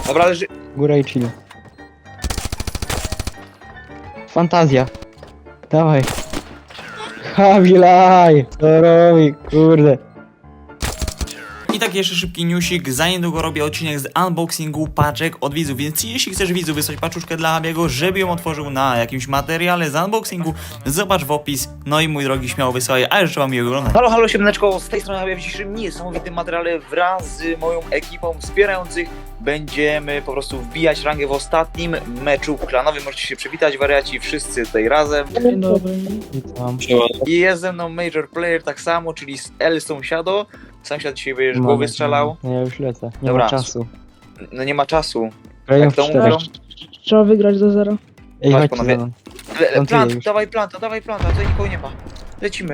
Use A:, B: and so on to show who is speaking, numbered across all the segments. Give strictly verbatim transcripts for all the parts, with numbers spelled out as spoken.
A: Dobra, leży.
B: Góra i chill. Fantazja. Dawaj. Habilaj! Co robi, kurde.
C: I tak jeszcze szybki newsik, za niedługo robię odcinek z unboxingu paczek od widzów, więc jeśli chcesz widzu wysłać paczuszkę dla Habiego, żeby ją otworzył na jakimś materiale z unboxingu, zobacz w opis. No i mój drogi, śmiało wysyłaj, a życzę wam miłego oglądania.
A: Halo, halo, siemaneczko, z tej strony Habia. W dzisiejszym niesamowitym materiale wraz z moją ekipą wspierających będziemy po prostu wbijać rangę w ostatnim meczu klanowym. Możecie się przywitać, wariaci, wszyscy tutaj razem.
D: Dzień dobry.
B: Witam.
A: I jest ze mną Major Player tak samo, czyli z El Sąsiado. Sąsiad dzisiaj będziesz
B: Mamy-
A: głowy strzelał.
B: No ja już lecę. Nie
A: Dobra.
B: ma czasu.
A: No nie ma czasu.
B: Grają
A: Jak
B: w
A: to
B: czterech.
A: mówią?
D: Trzeba wygrać do zera.
B: Ej,
A: Chodź,
B: chodźcie
A: panowie.
B: za mną.
A: Le, le,
B: Plantuję
A: plant,
B: już.
A: dawaj planta, dawaj planta, tutaj nikogo nie ma. Lecimy,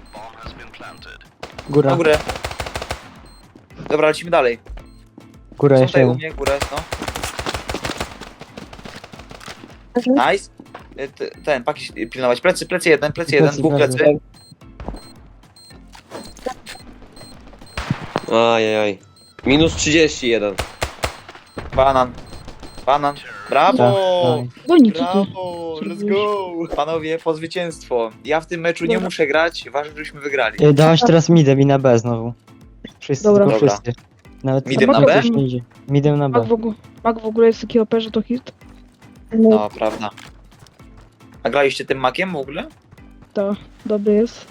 B: Góra,
A: na górę. Dobra, lecimy dalej.
B: góra
A: Są
B: jeszcze
A: tutaj u
B: jeden.
A: mnie, górę, no. Nice. Y, t- Ten, paki pilnować. Plecy, plecy jeden, plecy jeden,
B: Plecy,
A: dwóch
B: plecy.
A: plecy.
E: Ajajaj. Minus trzydzieści jeden.
A: Banan. Banan. Brawo!
B: Tak,
D: Goni, co ty?
A: Brawo! Let's go! Panowie, po zwycięstwo. Ja w tym meczu nie
D: Dobra.
A: muszę grać, ważne, żebyśmy wygrali.
B: Ej, dałaś teraz midem i na B znowu. Wszyscy,
D: Dobra.
B: tylko
A: Dobra.
B: wszyscy. Nawet
A: Midem
D: na
B: nawet
D: B?
B: coś nie idzie. Midem na
D: Mag
B: B.
D: w, ogóle, Mag w ogóle jest taki O P, że to hit.
A: No, prawda. A graliście tym makiem w ogóle?
D: To dobry jest.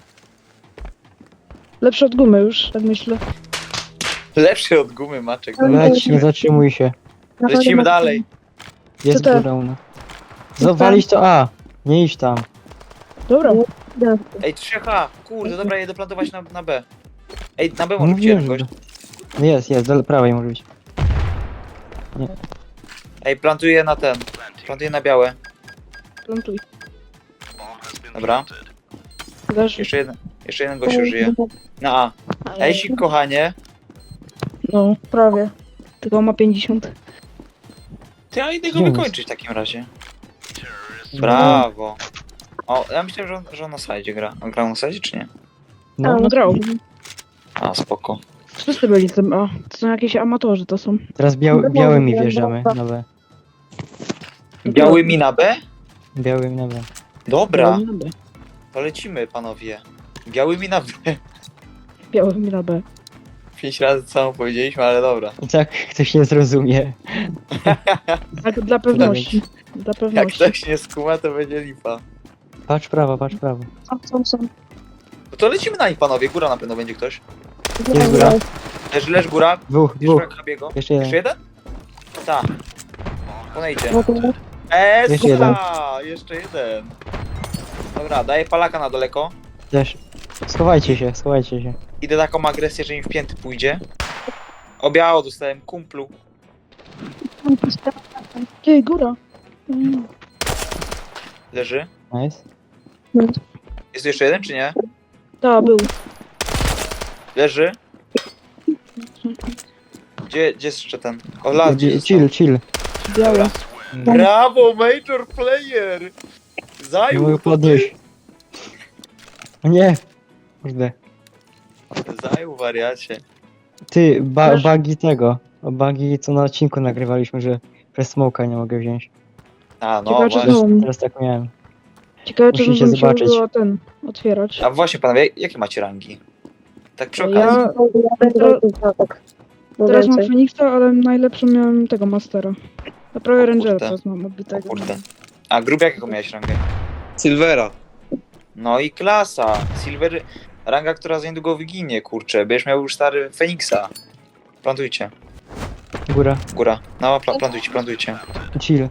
D: Lepszy od gumy już, tak myślę.
A: Lepszy od gumy maczek.
B: Leć, nie zatrzymuj się.
A: Lecimy dalej.
B: Jest
D: Co to?
B: góra u nas. Zawalić to A. Nie idź tam.
D: Dobra.
A: Ej, trzy H! Kurde, dobra, jedę plantować na, na B. Ej, na B
B: No
A: może być
B: wiem,
A: jeden
B: że...
A: gość.
B: Jest, jest, do prawej może być.
A: Ej, plantuję na ten. Plantuję na białe.
D: Plantuj.
A: Dobra.
D: Leży.
A: Jeszcze jeden, jeszcze jeden gościu żyje. Na A. Ej, sik, kochanie.
D: No, prawie. Tylko ma pięćdziesiąt.
A: Ty, a idę go
B: Gdzie on
A: wykończyć w takim razie. Brawo. O, ja myślałem, że on, że on na sajdzie gra. On grał na sajdzie, czy nie?
B: No,
D: No, grał.
A: A, spoko.
D: Wszyscy byli tym A. To są jakieś amatorzy, to są.
B: teraz biał, białymi wjeżdżamy na B.
A: Biały mi na B?
B: Białymi na B.
A: Dobra,
D: Biały mi na B.
A: to lecimy, panowie. Biały mi na B.
D: Biały mi na B.
A: Pięć razy co samo powiedzieliśmy, ale dobra.
B: I tak ktoś nie zrozumie.
D: Tak, dla pewności. Dla
A: Jak
D: pewności.
A: ktoś nie skuma, to będzie lipa.
B: Patrz prawo, patrz prawo.
A: No to lecimy na nich, panowie. Góra na pewno będzie ktoś.
B: Jest góra.
A: Leż, leż góra.
B: Dwóch,
A: Bierz
B: dwóch.
A: jak Habiego.
B: Jeszcze jeden.
A: Jeszcze jeden? Tak. Ponejdzie. Eee,
B: Jeszcze jeden.
A: Jeszcze jeden. Dobra, daję palaka na daleko.
B: Też. Schowajcie się, schowajcie się.
A: Idę taką agresję, że im w pięty pójdzie. O biało dostałem, kumplu.
D: Ej, góra. Mm.
A: Leży.
B: Nice.
A: Jest tu jeszcze jeden, czy nie?
D: Ta, był.
A: Leży. Gdzie, gdzie jest jeszcze ten? O, las, gdzie
B: Chill,
A: został?
B: chill, chill.
D: Białe.
A: Brawo, Major Player!
B: Nie
A: Zajął
B: mogę
A: to ty.
B: podnieść. O nie. Kurde.
A: Zajął, wariacie.
B: Ty, ba
D: Masz-
B: bugi tego. O bugi co na odcinku nagrywaliśmy, że przez smoka nie mogę wziąć.
A: A, no
D: Ciekawe, czy
A: właśnie.
D: znowu.
B: Teraz tak miałem.
D: Ciekawe, czy
B: Musicie
D: bym musiał
B: zobaczyć.
D: było ten otwierać.
A: A właśnie, panowie, jakie macie rangi? Tak przy
D: Ja
A: okazji.
D: teraz mam Feniksa, ale najlepszą miałem tego Mastera. A prawie
A: O
D: Rangera
A: kurde.
D: teraz mam
A: O
D: odbitego.
A: kurde. A grub jakiego miałeś rangę?
E: Silvera.
A: No i klasa. Silver, ranga, która za niedługo wyginie, kurczę. Będziesz miał już stary Feniksa. Plantujcie.
B: Góra.
A: Góra. No, pla plantujcie, plantujcie.
B: Chill.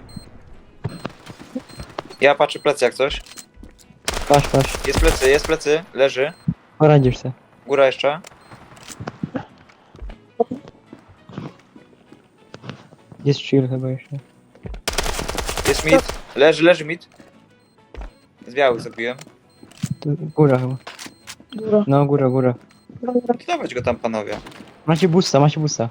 A: Ja patrzę plecy jak coś.
B: Patrz, patrz.
A: Jest plecy, jest plecy. Leży.
B: Poradzisz se.
A: Góra jeszcze.
B: Jest chill chyba jeszcze.
A: Jest mid. Leży, leży mid. Z białych zabiłem.
B: Tu, góra chyba.
D: Góra.
B: No, góra, góra.
A: To dawać go tam, panowie.
B: Macie busta, macie busta.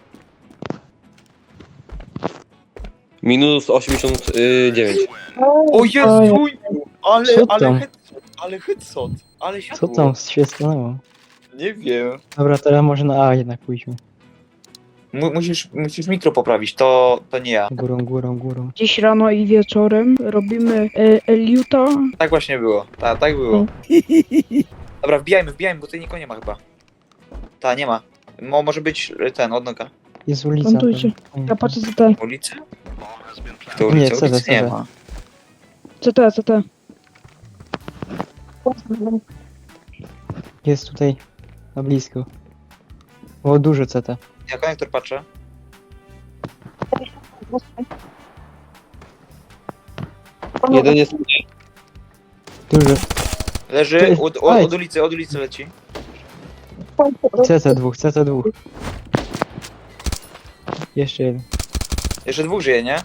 E: Minus osiemdziesiąt dziewięć.
A: O Jezu! Ale,
B: Co
A: ale,
B: tam?
A: head, ale headshot. Ale się
B: Co tam się stanęło?
A: Nie wiem.
B: Dobra, teraz może na A jednak pójdźmy.
A: Mu, musisz, musisz mikro poprawić, to, to nie ja.
B: Górą, górą, górą.
D: Dziś rano i wieczorem robimy e, Eliuta.
A: Tak właśnie było, tak, tak było. Dobra, wbijajmy, wbijajmy, bo tutaj nikogo nie ma chyba. Ta, nie ma. Mo, może być ten, odnoga.
B: Jest ulica.
D: Plantujcie.
B: tam.
D: Ja patrzę C T.
A: Ulicę? To
B: Nie,
A: ulicę,
B: co to,
A: ulicy
B: co
A: nie
B: to?
A: ma.
D: C T, C T.
B: Jest tutaj na blisko. O, dużo C T.
A: Ja konektor patrzę.
E: Jeden jest...
B: Dużo.
A: Leży,
B: Ty,
A: od, od,
B: oj.
A: od ulicy, od ulicy leci.
B: C T dwóch, C T dwóch. Jeszcze jeden.
A: Jeszcze dwóch żyje, nie?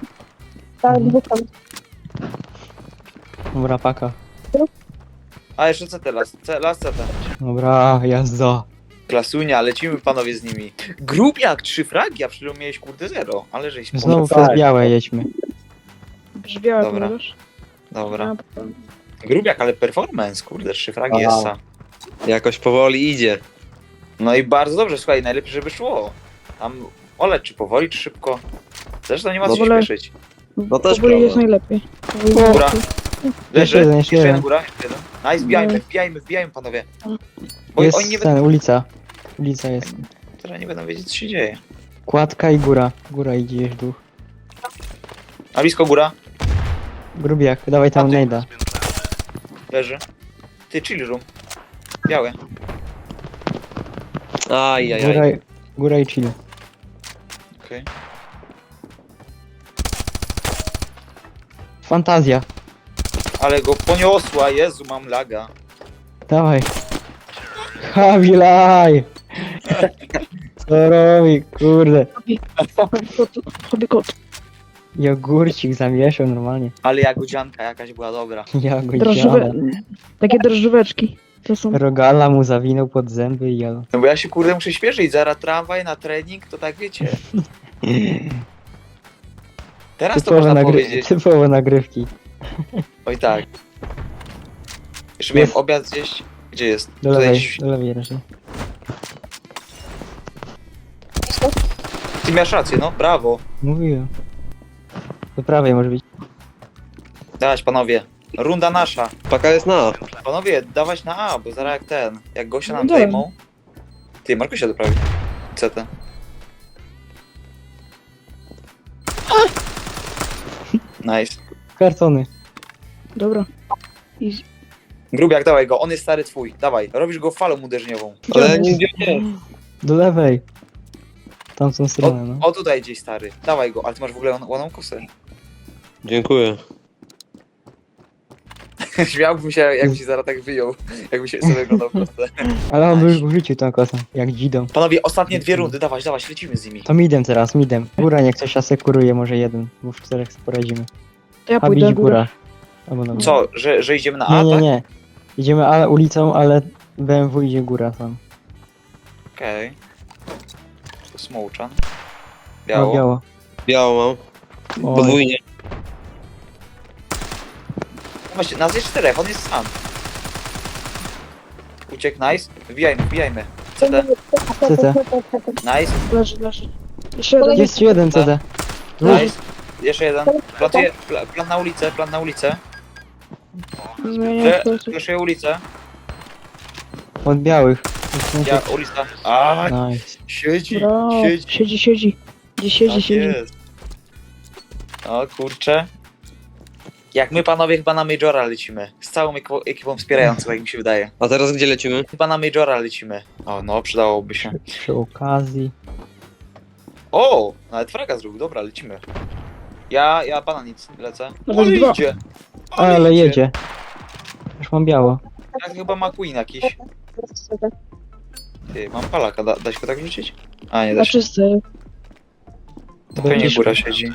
B: Dobra, paka.
A: A, jeszcze C T, las, C, las C T.
B: Dobra, jazda.
A: Klasunia, lecimy panowie z nimi. Grubiak, trzy fragi, a przed chwilą miałeś kurde zero. Ale żeś
B: Znowu
A: poszedł.
B: przez białe jedźmy.
D: Brzmiała,
A: Dobra.
D: powiadasz?
A: Dobra. Grubiak, ale performance, kurde, trzy fragi
E: Aha.
A: jest.
E: Jakoś powoli idzie.
A: No i bardzo dobrze, słuchaj, najlepiej, żeby szło. Tam oleć, czy powoli, czy szybko. Zresztą nie ma co się
D: Dobra.
A: śpieszyć.
E: No też
D: Powoli jest
E: prawda.
D: najlepiej.
A: Góra. Leży,
B: jeden, jeszcze
A: jeden
B: jeden.
A: góra, jeszcze jeden. Nice, wbijajmy, wbijajmy, wbijajmy panowie. Bo
B: Jest
A: oni nie będą,
B: ten, ulica. Ulica jest.
A: teraz nie będą wiedzieć, co się dzieje.
B: Kładka i góra. Góra idzie już duch.
A: A blisko góra,
B: Grubiak, dawaj tam
A: A ty-
B: nejda.
A: leży. Ty, chill room. Białe.
E: Aj, aj,
B: Góra,
E: aj.
B: góra i chill.
A: Okej.
B: Fantazja.
A: Ale go poniosła, Jezu, mam laga.
B: Dawaj. Habilaj! Co robi, kurde.
D: Hobby kot.
B: Jogurcik zamieszał normalnie.
A: Ale jagodzianka jakaś była dobra.
B: Jagodziana.
D: Drożdżowe... Takie drożdżóweczki. To są...
B: Rogala mu zawinął pod zęby i jadł.
A: No bo ja się kurde muszę śpieszyć, zaraz tramwaj na trening, to tak wiecie. Teraz to
B: Typowe,
A: można
B: nagry...
A: powiedzieć.
B: Typowe nagrywki.
A: Oj tak. Jeszcze
B: Jest.
A: miałem obiad zjeść. Gdzie jest?
B: Do
A: Tutaj
B: lewej,
A: gdzieś-
B: do lewej raczej.
A: Ty miałeś rację, no, brawo.
B: Mówiłem. Do prawej może być.
A: Dawać panowie. Runda nasza.
E: Paka jest na A.
A: Panowie, dawać na A, bo zaraz jak ten. Jak gościa nam
D: No dobra.
A: zajmą. Ty, Markusia doprawi. C T. Nice.
B: Kartony.
D: Dobra. I...
A: Grubiak, dawaj go, on jest stary twój. Dawaj, robisz go falą uderzeniową.
E: Ale nigdzie nie.
B: Do lewej. Tamtą stronę, no.
A: O, o tutaj gdzieś stary. Dawaj go, ale ty masz w ogóle łan- łaną kosę.
E: Dziękuję.
A: Śmiałbym się, jakby się zaraz tak wyjął. Jakby się sobie oglądał proste.
B: Ale on by już wrzucił tą kosę, jak dzidą.
A: Panowie, ostatnie dwie rundy, dawać, dawać, lecimy z nimi.
B: To midem teraz, midem. Góra niech ktoś asekuruje, może jeden, bo w czterech sobie poradzimy.
D: To ja
B: A
D: pójdę
B: bić
D: na górę.
B: góra. Albo na górę.
A: Co, że, że idziemy na A,
B: Nie, nie,
A: tak?
B: nie. Idziemy ale ulicą, ale B M W idzie góra tam.
A: Okej. To Smołczan.
B: Biało.
A: Biało.
B: biało.
E: Biało mam.
B: Oj,
E: Podwójnie.
A: No właśnie, nas jest czterech, on jest sam. Uciekł, nice. Wbijajmy, wbijajmy. C T,
B: C T.
A: nice,
D: Leży, leży. Jeszcze jeden.
B: Jest jeden C T. Dwóch.
A: nice. Jeszcze jeden. Plantuję, pla, plan na ulicę, plan na ulicę.
D: Zmieniam
A: Fle-
D: sposób.
A: Fleszuję ulicę.
B: Od białych.
A: Ja, ulica. A,
B: Nice.
A: siedzi,
D: Brawo.
A: siedzi.
D: Siedzi, siedzi. Gdzie siedzi,
A: Tak
D: siedzi.
A: jest. O kurczę. Jak my panowie chyba na Majora lecimy. Z całą ekipą, ekipą wspierającą, jak mi się wydaje.
E: A teraz gdzie lecimy?
A: Chyba na Majora lecimy. O no, przydałoby się.
B: Przy okazji.
A: O! Nawet fraga zrobił, dobra, lecimy. Ja, ja pana nic lecę.
D: Nawet
A: Ale
D: dwa.
A: idzie!
B: Ale jedzie. Już mam biało.
A: Jak chyba McQueen jakiś. Ty, mam palaka, da, da się go tak wrzucić? A, nie da
D: Na
A: się.
D: czysty.
A: To pewnie góra siedzi.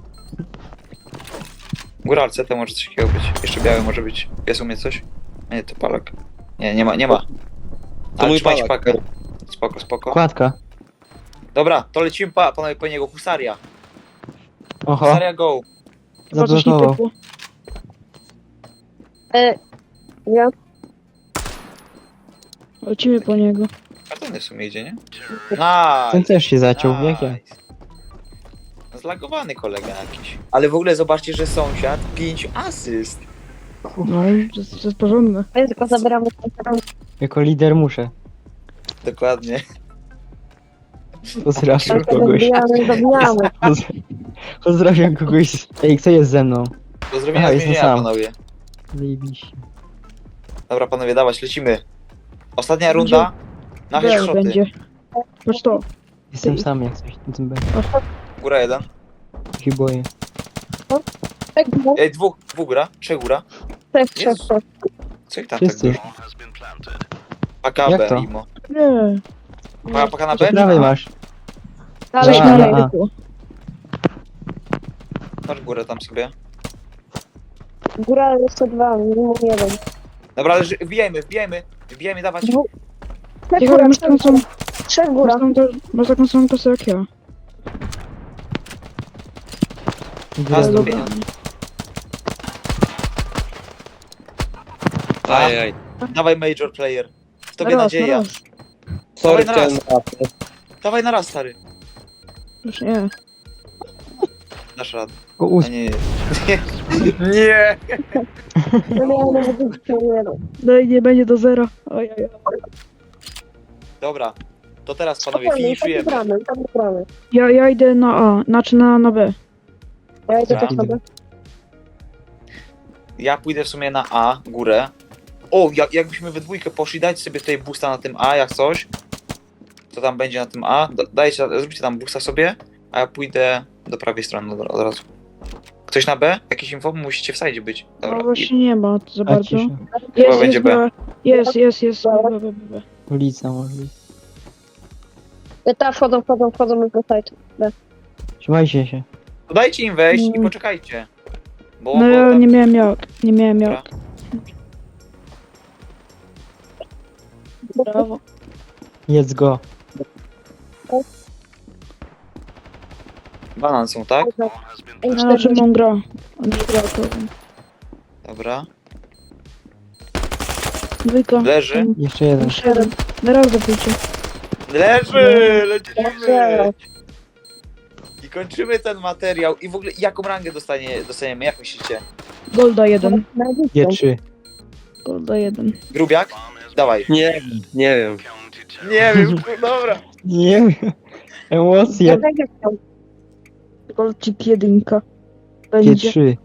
A: Góra, C T może coś takiego być. Jeszcze biały może być. Jest u mnie coś? A nie, to palak. Nie, nie ma, nie ma.
E: To
A: Ale
E: mój
A: trzymajcie
E: palak.
A: pakę. Spoko, spoko.
B: Kładka.
A: Dobra, to lecimy pa, panowie po niego. Husaria.
B: Oho,
A: Husaria go.
D: Chyba coś nie
B: zablokował.
D: pykło.
F: E, ja
D: Lecimy po niego.
A: A ten w sumie idzie, nie?
B: Ten
A: Nice.
B: też się zaciął, jak ja.
A: Nice. Zlagowany kolega jakiś. Ale w ogóle zobaczcie, że sąsiad pięć asyst.
D: No, to jest, to jest porządne.
F: Ja tylko zabieramy konferencję.
B: Jako lider muszę.
A: Dokładnie.
B: Pozdrawiam
F: Tak,
B: kogoś.
F: zabijamy, zabijamy.
B: Poz- Pozdrawiam kogoś. Ej, kto jest ze mną?
A: Pozdrowienia
B: Aha,
A: z
B: jestem
A: więzienia,
B: sam.
A: panowie.
B: Zajebiście.
A: Dobra, panowie, dawać, lecimy. Ostatnia runda. Na
D: B
A: headshoty.
D: będzie. Patrz to.
B: Jestem sam jak coś na tym będzie.
A: Góra jeden.
B: Się boję.
F: Tak, no,
A: Ej, dwóch, dwóch góra. Trzech góra.
F: trzech, trzech,
A: Jezus.
F: trzech.
A: Co ich tam
B: Wszyscy.
A: tak dużo? Paka
B: Jak
A: B,
B: to?
A: Imo.
D: Nie.
A: Paka, paka na
B: Po
A: B?
B: prawej masz.
F: Dalej,
B: Dobra,
F: dalej.
B: a.
A: Masz górę tam sobie.
F: Góra jeszcze dwa, minimum jeden.
A: Dobra, ale ży- wbijajmy, wbijajmy. Wbijajmy, dawać.
F: Dwóch. Trzech
D: Ciekawe,
F: góra,
D: masz taką samą,
F: trzech
D: masz
F: góra.
D: taką, masz taką samą kasę jak ja.
B: Góra.
A: Raz do
D: Dobra.
A: pieniądza.
E: Ajaj.
A: Dawaj major player. W tobie
D: Na raz,
A: nadzieja.
D: na raz.
E: Sorry,
A: Dawaj na
E: chciałem na
A: Dawaj na raz, stary.
D: Już nie.
A: Dasz radę.
B: Go
A: A
B: ust.
A: nie, nie. Nie.
F: No nie, nie, nie, nie, nie.
D: Daj, nie będzie do zera. Oj, oj, oj.
A: Dobra. To teraz, panowie,
F: Spokojnie, tam
A: finiszujemy.
F: gramy, tam gramy.
D: Ja, ja idę na A, znaczy na, na B.
F: Ja idę
A: Dobra.
F: też sobie.
A: Ja pójdę w sumie na A, górę. O, jak, jakbyśmy we dwójkę poszli, dajcie sobie tutaj boosta na tym A, jak coś. Co tam będzie na tym A? Da- Dajcie, zróbcie tam boosta sobie, a ja pójdę do prawej strony od, od razu. Ktoś na B? Jakieś info? Musicie w sajdzie być. Dobra.
D: No właśnie nie ma za
B: A
D: bardzo.
B: cisza.
A: Chyba
D: Jest,
A: będzie
D: jest,
A: B.
D: jest, jest, jest. B, B, B, B.
B: Ulica może być.
F: Ja tam wchodzą, wchodzą, wchodzą do site.
B: Trzymajcie się.
A: To dajcie im wejść i
D: Mm.
A: poczekajcie. Bo,
D: No
A: bo
D: ja
A: tam...
D: nie miałem jak, nie miałem
A: Dobra.
D: jak. Brawo.
B: Jedz go.
A: Banan są, tak?
F: Ej,
D: A na czym
F: cztery.
D: on gra? On nie gra to.
A: Dobra.
D: Dwójka.
A: Leży.
B: Jeszcze jeden.
D: Jeszcze jeden. Na raz zapójcie.
A: Leży! Lecimy!
F: Leży.
A: I kończymy ten materiał. I w ogóle jaką rangę dostanie, dostaniemy? Jak myślicie?
D: Golda jeden.
B: G trzy.
D: Golda jeden.
A: Grubiak? Dawaj.
E: Nie, nie wiem.
A: Nie wiem, dobra.
B: Nie wiem. Emocje.
F: Ja tak jak tam.
D: Golcik jedynka.
B: G
D: Będzie.
B: trzy.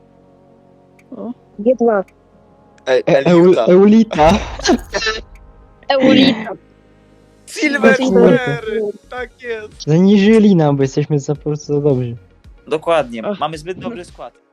F: G dwa.
A: Ej,
B: E-
A: Eliuta.
B: Eul- Eulita.
F: Eulita.
A: Silver
B: Silver.
A: cztery! Tak jest.
B: Zaniżyli nam, bo jesteśmy za po prostu za dobrzy.
A: Dokładnie.
D: Ach.
A: Mamy zbyt dobry skład.